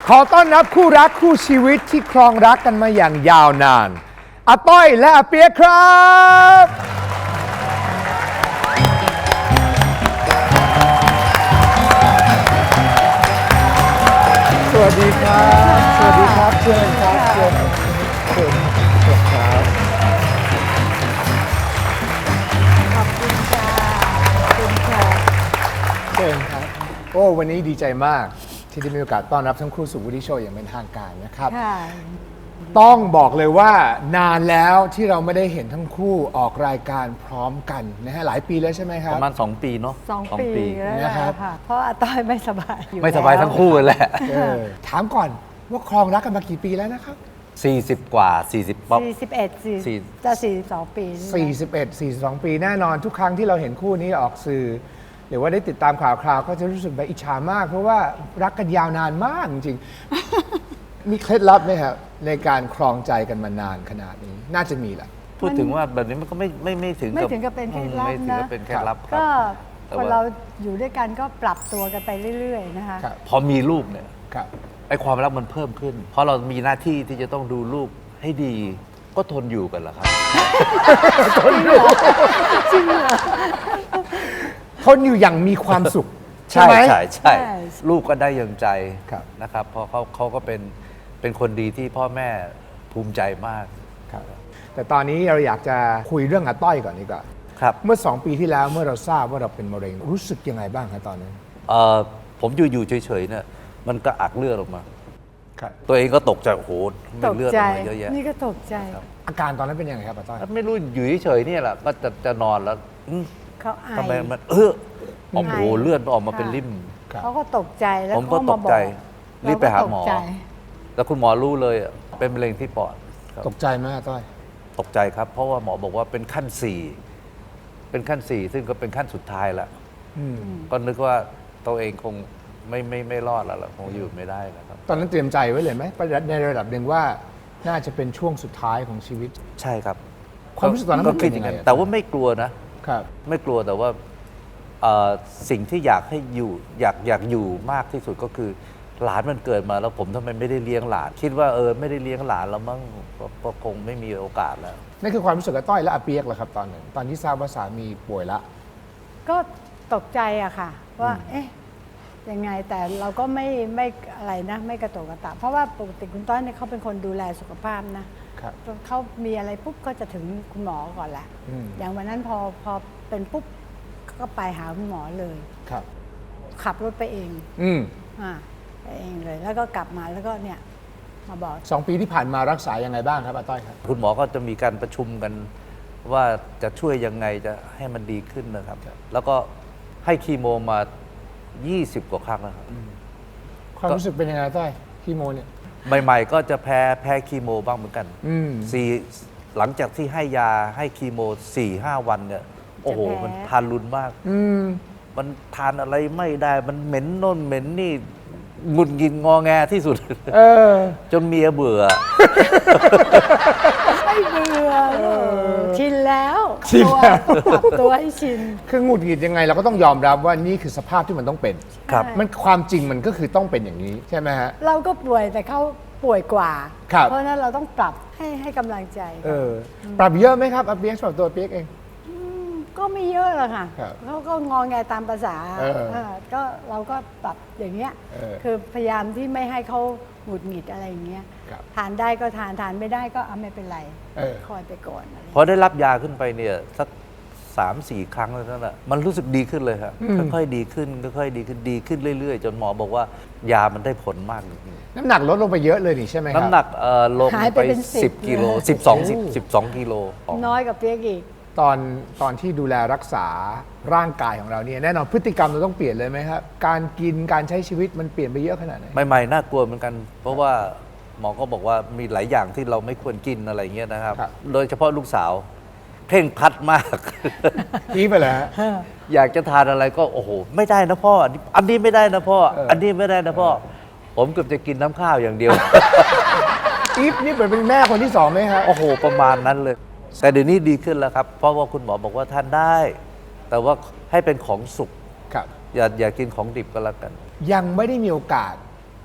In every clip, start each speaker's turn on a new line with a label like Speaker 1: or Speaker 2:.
Speaker 1: ขอต้อนรับคู่รักคู่ชีวิตที่ครองรักกันมาอย่างยาวนานอาต้อยและอาเปียกครับสวัสดีครับสวัสดีครับเชิญครับเชิญครับ
Speaker 2: ขอบคุณค่ะขอบคุณค่ะ
Speaker 1: เชิญครับโอ้วันนี้ดีใจมากที่ได้มีโอกาสต้อนรับทั้งคู่สู่วูดดี้โชว์อย่างเป็นทางการนะครับ
Speaker 2: ค่ะ
Speaker 1: ต้องบอกเลยว่านานแล้วที่เราไม่ได้เห็นทั้งคู่ออกรายการพร้อมกันนะฮะหลายปีแล้วใช่ไหมครั
Speaker 3: ป
Speaker 1: บ
Speaker 3: ระมาณ2 ปีเนาะ
Speaker 2: 2 ปีแล้ว
Speaker 1: นะครับ
Speaker 2: ค่ะ เพราะอาต้อยไม่สบายอยู่
Speaker 3: ไม่สบายทั้งคู่เลยแหละ
Speaker 1: ถามก่อนว่าครองรักกันมากี่ปีแล้วนะครับ
Speaker 3: 40 กว่า 40ป๊อป
Speaker 2: 41 จะ 42 ปีนี่นะ
Speaker 1: 41 42 ปีแน่นอนทุกครั้งที่เราเห็นคู่นี้ออกสื่อ หรือว่าได้ติดตามข่าวคราวก็จะรู้สึกแบบอิจฉามาก เพราะว่ารักกันยาวนานมากจริงๆ มีเคล็ดลับไหมครับในการครองใจกันมานานขนาดนี้น่าจะมีแหละ
Speaker 3: พูดถึงว่าแบบนี้มันก็ไม่ถึง
Speaker 2: ไม่ถึงกับเป็นเคล็ดลับ
Speaker 3: ไม่ถึง
Speaker 2: นะ
Speaker 3: กับเป็นเคล็ดลับครับ
Speaker 2: ก็
Speaker 3: แต่
Speaker 2: คน
Speaker 3: ว่า
Speaker 2: เราอยู่ด้วยกันก็ปรับตัวกันไปเรื่อยๆนะคะ
Speaker 1: ครับ
Speaker 3: พอมีลูกเนี่ย
Speaker 1: ครับ
Speaker 3: ไอ้ความรักมันเพิ่มขึ้น เพราะเรามีหน้าที่ที่จะต้องดูลูกให้ดี ก็ทนอยู่กันแหละครับ
Speaker 1: ทนอยู่อย่างมีความสุข ใช่
Speaker 3: ใช่
Speaker 1: ไหม
Speaker 3: ใช่ใช่
Speaker 2: ใช่
Speaker 3: ลูกก็ได้อย่างใจ
Speaker 1: ครับ
Speaker 3: นะครับ เพราะเขาก็เป็นคนดีที่พ่อแม่ภูมิใจมาก
Speaker 1: ครับแต่ตอนนี้เราอยากจะคุยเรื่องอาต้อยก่อนดีกว่า
Speaker 3: ครับ
Speaker 1: เมื่อ 2 ปีที่แล้วเมื่อเราทราบว่าเราเป็นมะเร็งรู้สึกยังไงบ้างครับตอนนั้น
Speaker 3: ผมอยู่เฉยๆเนี่ยมันก็อักเลือดออกมา
Speaker 1: ครับ
Speaker 3: ตัวเองก็ตกใจโอ้โห
Speaker 2: ต
Speaker 3: ไม่
Speaker 2: ก
Speaker 3: เลือดอ
Speaker 2: ใจ
Speaker 3: อกมาเยอะแยะ
Speaker 2: นี่ก็ตกใจ
Speaker 1: อาการตอนนั้นเป็นยังไงครับอาต้อย
Speaker 3: ไม่รู้อยู่เฉยๆเนี่ยแหละก็จะนอนแล้ว
Speaker 2: เขาไอ
Speaker 3: ทำไมมันโอ้โห
Speaker 2: ไอ
Speaker 3: เลือดออกมาเป็น
Speaker 2: ค่ะ
Speaker 3: ริ่ม
Speaker 1: ครับ
Speaker 2: เขาก็ตกใจแล้ว
Speaker 3: ผมก็
Speaker 2: เขาา
Speaker 3: ตกใจ
Speaker 2: บอ
Speaker 3: รีบไปหาหมอ
Speaker 2: เรก็ตกใจ
Speaker 3: แล้วคุณหมอรู้เลยเป็นมะเร็งที่ปอดครับ
Speaker 1: ตกใจไหมอาต้อย
Speaker 3: ตกใจครับ เพราะว่าหมอบอกว่าเป็นขั้น 4 เป็นขั้น 4 ซึ่งก็เป็นขั้นสุดท้ายแล้ว
Speaker 1: อืม
Speaker 3: ก็นึกว่าตัวเองคงไม่รอดแล้วล่ะคงอยู่ไม่ได้แล้วครับ
Speaker 1: ตอนนั้นเตรียมใจไว้เลยไหมในระดับหนึ่งว่าน่าจะเป็นช่วงสุดท้ายของชีวิต
Speaker 3: ใช่ครับ
Speaker 1: ความรู้สึกตอนนั้น
Speaker 3: ก็
Speaker 1: มัน
Speaker 3: คิ
Speaker 1: เป็
Speaker 3: ด
Speaker 1: น
Speaker 3: อ
Speaker 1: ยั
Speaker 3: ย่าง ง
Speaker 1: ไง
Speaker 3: นั้นแต่ว่าไม่กลัวนะ
Speaker 1: ครับ
Speaker 3: ไม่กลัวแต่ว่าสิ่งที่อยากให้อยู่อยากอยู่มากที่สุดก็คือ หลานมันเกิดมาแล้วผมทำไมไม่ได้เลี้ยงหลาน คิดว่าไม่ได้เลี้ยงหลานแล้วมั้งก็คงไม่มีโอกาสแล้ว
Speaker 1: นั่นคือความรู้สึกอาต้อยและอาเปียกเหรอครับตอนนั้นตอนที่ทราบว่าสามีป่วยละ
Speaker 2: ก็ตกใจอะค่ะ ว่า เอ๊ะยังไงแต่เราก็ไม่อะไรนะ ไม่กระโตกกระตากเพราะว่าปกติคุณต้อยเนี่ยเขาเป็นคนดูแลสุขภาพนะครับ เขามีอะไรปุ๊บก็จะถึงคุณหมอก่อนแหละ
Speaker 1: อืม
Speaker 2: อย่างวันนั้นพอเป็นปุ๊บก็ไปหาคุณหมอเลย
Speaker 1: ครับ
Speaker 2: ขับรถไปเอง
Speaker 1: อืม
Speaker 2: ไปเองเลย แล้วก็กลับมาแล้วก็เนี่ยมาบอก
Speaker 1: 2 ปีที่ผ่านมารักษายังไงบ้างครับอาต้อยครับ
Speaker 3: คุณหมอก็จะมีการประชุมกันว่าจะช่วยยังไงจะให้มันดีขึ้นนะครับ แล้วก็ให้คีโมมา 20 กว่าครั้งนะครับ
Speaker 1: ความรู้สึกเป็นยังไงอาต้อยคีโมเนี่ย
Speaker 3: ใหม่ๆก็จะแพ้คีโมบ้างเหมือนกัน
Speaker 1: อืม
Speaker 3: หลังจากที่ให้ยาให้คีโม 4-5 วันเนี่ย โอ้โห มันทานรุนมาก
Speaker 1: อืม
Speaker 3: มันทานอะไรไม่ได้ มันเหม็นโน่นเหม็นนี่หงุดหงิดงอแงที่สุด
Speaker 1: เออ
Speaker 3: จนเมียเบื่อ
Speaker 2: ไม่เบื่อชินแล้ว
Speaker 1: ชินแล้ว
Speaker 2: ปรับตัวให้ชิน
Speaker 1: คือหงุดหงิดยังไงเราก็ต้องยอมรับว่านี่คือสภาพที่มันต้องเป็น
Speaker 3: ครับ
Speaker 1: มันความจริงมันก็คือต้องเป็นอย่างนี้ใช่ไหมฮะ
Speaker 2: เราก็ป่วยแต่เขาป่วยกว่า
Speaker 1: ครับ
Speaker 2: เพราะฉะนั้นเราต้องปรับให้กำลังใจ
Speaker 1: ปรับเยอะไหมครับอาเปียกสำหรับตัวอาเปียกเอง
Speaker 2: ก็ไม่เยอะหรอกค่ะ
Speaker 1: ครับ
Speaker 2: เขาก็งอแงตามภาษา ก็เราก็ปรับอย่างเงี้ย คือพยายามที่ไม่ให้เขาหงุดหงิดอะไรอย่างเงี้ย
Speaker 1: ครับ
Speaker 2: ทานได้ก็ทานไม่ได้ก็ไม่เป็นไร
Speaker 1: เออ
Speaker 2: คอยไปก่อนอะไร
Speaker 3: พอได้รับยาขึ้นไปเนี่ยสัก 3-4 ครั้งแล้วนั่นแหละมันรู้สึกดีขึ้นเลยครับค่อยๆดีขึ้นค่อยๆดีขึ้นเรื่อยๆ จนหมอบอกว่ายามันได้ผลมากจริง
Speaker 1: น้ำหนักลดลงไปเยอะเลยนี่ใช่ไหมครับ
Speaker 3: ๆน้ำหนักลง
Speaker 2: หาย
Speaker 3: ไป
Speaker 2: ไปเป็น10
Speaker 3: 10 กิโล
Speaker 2: เลย
Speaker 3: 12 กิโล
Speaker 2: น้อยกับเปียกอีก
Speaker 1: ตอนที่ดูแลรักษาร่างกายของเราเนี่ยแน่นอนพฤติกรรมเราต้องเปลี่ยนเลยไหมครับ การกินการใช้ชีวิตมันเปลี่ยนไปเยอะขนาดไหน
Speaker 3: ใหม่ๆน่ากลัวเหมือนกัน เพราะว่าหมอก็บอกว่ามีหลายอย่างที่เราไม่ควรกินอะไรเงี้ยนะครับ
Speaker 1: ครับ
Speaker 3: โดยเฉพาะลูกสาวเพ่งพลัดมาก
Speaker 1: กี้ไปเลยฮะ
Speaker 3: อยากจะทานอะไรก็โอ้โหไม่ได้นะพ่ออันนี้ไม่ได้นะพ่อ อันนี้ไม่ได้นะพ่อ ผมเกือบจะกินน้ำข้าวอย่างเดียว
Speaker 1: อีฟนี่เหมือนเป็นแม่คนที่สองไหมครับ
Speaker 3: โอ้โห ประมาณนั้นเลย แต่เดี๋ยวนี้ดีขึ้นแล้วครับ เพราะว่าคุณหมอบอกว่าทานได้ แต่ว่าให้เป็นของสุก
Speaker 1: ครับ
Speaker 3: อย่ากินของดิบก็แล้วกัน
Speaker 1: ยังไม่ได้มีโอกาส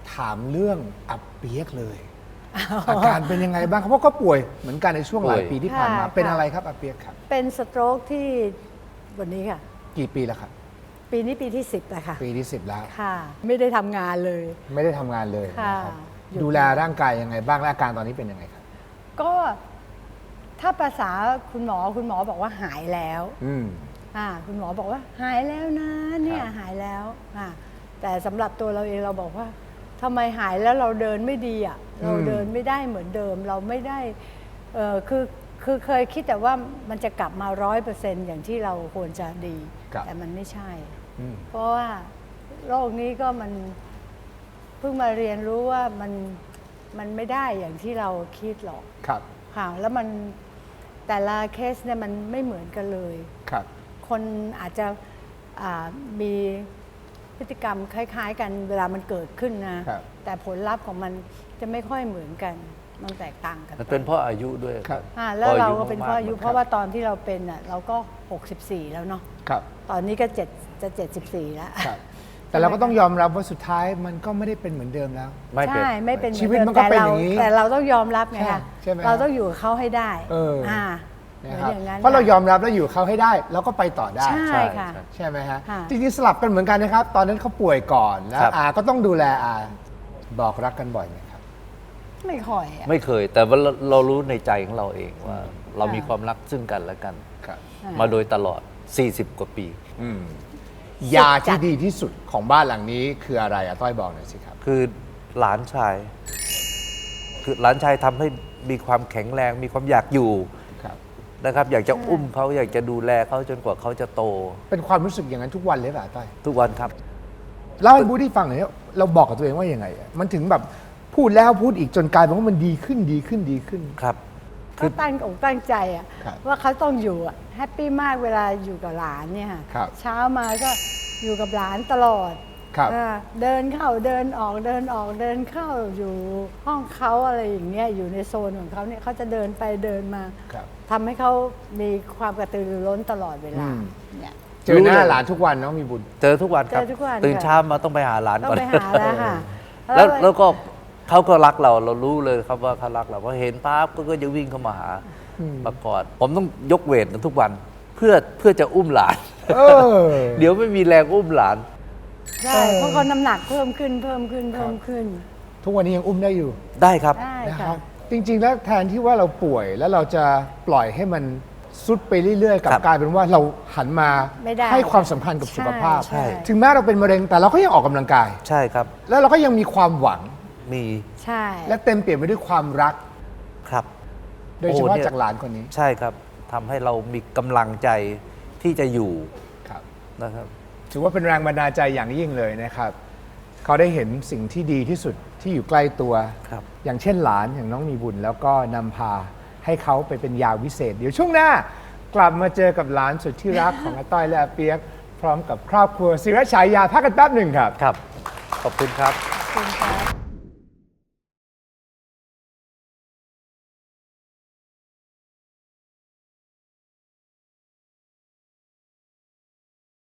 Speaker 1: ถามเรื่องอับเปียกเลย อาการเป็นยังไงบ้างครับเพราะก็ป่วยเหมือนกันในช่วงหลายปีที่ผ่านมา
Speaker 2: ค่ะ
Speaker 1: เป็นอะไรครับอับเปียกครับ
Speaker 2: เป็นสโตรกที่วันนี้ค่ะ
Speaker 1: กี่ปีแล้วครับ
Speaker 2: ปีนี้ปีที่ 10แล้วค่ะ
Speaker 1: ปีที่ 10 แล้ว
Speaker 2: ค่ะ ไม่ได้ทำงานเลย
Speaker 1: ไม่ได้ทำงานเลย
Speaker 2: ค่ะ
Speaker 1: นะครับ
Speaker 2: หยุด
Speaker 1: ดูแลร่างกายยังไงบ้างและอาการตอนนี้เป็นยังไงครับ
Speaker 2: ก็ถ้าภาษาคุณหมอบอกว่าหายแล้ว
Speaker 1: อืม
Speaker 2: คุณหมอบอกว่าหายแล้วนะเนี่ย
Speaker 1: ครับ
Speaker 2: หายแล้วแต่สำหรับตัวเราเองเราบอกว่าทำไมหายแล้วเราเดินไม่ดีอ่ะเราเดินไม่ได้เหมือนเดิมเราไม่ได้คือเคยคิดแต่ว่ามันจะกลับมา100%อย่างที่เราควรจะดี
Speaker 1: ครับ
Speaker 2: แต่มันไม่ใช่
Speaker 1: อืม
Speaker 2: เพราะว่าโรคนี้ก็มันเพิ่งมาเรียนรู้ว่ามันไม่ได้อย่างที่เราคิดหรอก
Speaker 1: ครับ
Speaker 2: ค่ะแล้วมันแต่ละเคสเนี่ยมันไม่เหมือนกันเลย
Speaker 1: ครับ
Speaker 2: คนอาจจะมีพฤติกรรมคล้าย ๆ กันเวลามันเกิดขึ้นนะ
Speaker 1: ครับ
Speaker 2: แต่ผลลัพธ์ของมันจะไม่ค่อยเหมือนกัน มันแตกต่างกัน
Speaker 3: มันเป็นเพราะอายุด้วย
Speaker 1: ครับ
Speaker 2: แล้วเราก็เป็นเพราะอายุ
Speaker 3: มกๆ
Speaker 2: เพราะว่าตอนที่เราเป็นอ่ะเราก็ 64 แล้วเนาะ
Speaker 1: ครับ
Speaker 2: ตอนนี้ก็จะ74 แล้ว
Speaker 1: ครับ แต่เราก็ต้องยอมรับว่าสุดท้ายมันก็ไม่ได้เป็นเหมือนเดิมแล้ว
Speaker 3: ไม่เป็น
Speaker 2: ใช่ไม่เป็น
Speaker 1: ชีวิต
Speaker 2: ห
Speaker 1: มั
Speaker 2: อน
Speaker 1: ก็
Speaker 2: ดิ
Speaker 1: เป็น
Speaker 2: แต่
Speaker 1: อย่างนี้
Speaker 2: แต่เราต้องยอมรับไงคะ
Speaker 1: ใช่ไหม
Speaker 2: เราต้องอยู่กับเขาให้ได้
Speaker 1: เออ
Speaker 2: เหมื
Speaker 1: นะ
Speaker 2: อน
Speaker 1: ครับ
Speaker 2: อย่างนั้น
Speaker 1: เพราะเรา
Speaker 2: ค่ะ
Speaker 1: ยอมรับแล้วอยู่เขาให้ได้แล้วก็ไปต่อได้
Speaker 2: ใช่ค่ะ
Speaker 1: ใช่ไหมฮะ
Speaker 2: ค่ะ
Speaker 1: จริงๆสลับกันเหมือนกันนะครับ ตอนนั้นเขาป่วยก่อนแล้ว
Speaker 3: ครับ
Speaker 1: อาก็ต้องดูแลอาบอกรักกันบ่อยไหมครับ
Speaker 2: ไม่ค่อยอะ
Speaker 3: ไม่เคย แต่ว่าเรารู้ในใจของเราเองว่า เรามีความรักซึ่งกันและกัน
Speaker 1: ครับ
Speaker 3: มาโดยตลอด 40 กว่าปี
Speaker 1: ยาที่ดีที่สุดของบ้านหลังนี้คืออะไรอะต้อยบอกหน่อยสิครับ
Speaker 3: คือหลานชาย คือหลานชายทำให้มีความแข็งแรง มีความอยากอยู่
Speaker 1: ครับ
Speaker 3: นะครับ อยากจะอุ้มเขาอยากจะดูแลเขาจนกว่าเขาจะโต
Speaker 1: เป็นความรู้สึกอย่างนั้นทุกวันเลยป่ะต้อย
Speaker 3: ทุกวันครับ
Speaker 1: เล่าให้บูดี้ฟังหน่อยว่าเราบอกกับตัวเองว่ายังไงอะมันถึงแบบพูดแล้วพูดอีกจนกลายเป็นว่ามันดีขึ้นดีขึ้นดีขึ้น
Speaker 3: ครับ
Speaker 2: เขาตั้งอกตั้งใจอะ
Speaker 1: ครับ
Speaker 2: ว่าเขาต้องอยู่อะแฮปปี้มากเวลาอยู่กับหลานเนี่ยค่ะ
Speaker 1: ครับ
Speaker 2: เช้ามาก็อยู่กับหลานตลอด
Speaker 1: ครับ
Speaker 2: เดินเข้าเดินออกเดินออกเดินเข้าอยู่ห้องเขาอะไรอย่างเงี้ยอยู่ในโซนของเขาเนี่ยเขาจะเดินไปเดินมา
Speaker 1: ครับ
Speaker 2: ทำให้เขามีความกระตือรือร้นตลอดเวลา
Speaker 1: อืม
Speaker 2: เนี่ย
Speaker 1: เจอหน้า
Speaker 3: รู้เลย
Speaker 1: หลานทุกวันน้องมีบุญ
Speaker 3: เจอทุกวันครับ
Speaker 2: เจอทุกวัน
Speaker 3: ตื่น
Speaker 2: ค่ะ
Speaker 3: เช้ามาต้องไปหาหลาน
Speaker 2: ต้อ
Speaker 3: ก่อน
Speaker 2: งไปหาแล้วค่ะ
Speaker 3: แล้วก็เขาก็รักเรารู้เลยครับว่าเขารักเราเพราะเห็นปั๊บก็จะวิ่งเข้ามาหามากอดผมต้องยกเวทกันทุกวันเพื่อจะอุ้มหลาน
Speaker 1: เออ
Speaker 3: เดี๋ยวไม่มีแรงอุ้มหลาน
Speaker 2: ใช่เพราะเขาน้ำหนักเพิ่มขึ้นเพิ่มขึ้นเพิ่มขึ้น
Speaker 1: ทุกวันนี้ยังอุ้มได้อยู่
Speaker 3: ได้ครับ
Speaker 2: ได้
Speaker 1: นะค
Speaker 2: ค่ะ
Speaker 1: รับจริงๆแล้วแทนที่ว่าเราป่วยแล้วเราจะปล่อยให้มันซุดไปเรื่อยๆกลับ
Speaker 3: ครับ
Speaker 1: กลายเป็นว่าเราหันมา
Speaker 2: ไม่ได้
Speaker 1: ให้ความสำคัญกับสุขภาพ
Speaker 2: ใช่
Speaker 1: ถึงแม้เราเป็นมะเร็งแต่เราก็ยังออกกำลังกาย
Speaker 3: ใช่ครับ
Speaker 1: แล้วเราก็ยังมีความหวัง
Speaker 3: มี
Speaker 2: ใช่
Speaker 1: และเต็มเปี่ยมไปด้วยความรัก
Speaker 3: ครับ
Speaker 1: โดยเฉ
Speaker 3: โอ้
Speaker 1: พาะ
Speaker 3: เนี่ย
Speaker 1: จากหลานคนนี้
Speaker 3: ใช่ครับทำให้เรามีกำลังใจที่จะอยู่
Speaker 1: ครับ
Speaker 3: นะครับ
Speaker 1: ถือว่าเป็นแรงบันดาลใจอย่างยิ่งเลยนะครับ เขาได้เห็นสิ่งที่ดีที่สุดที่อยู่ใกล้ตัว
Speaker 3: ครับ
Speaker 1: อย่างเช่นหลานอย่างน้องมีบุญ แล้วก็นำพาให้เขาไปเป็นยาวิเศษ เดี๋ยวช่วงหน้ากลับมาเจอกับหลานสุดที่รักของอาต้อยและอาเปียก พร้อมกับครอบครัวศิรฉายาพักกันแป๊บหนึ่งครับ
Speaker 3: ครับ ขอบคุณครับ
Speaker 2: ขอบคุณค่ะ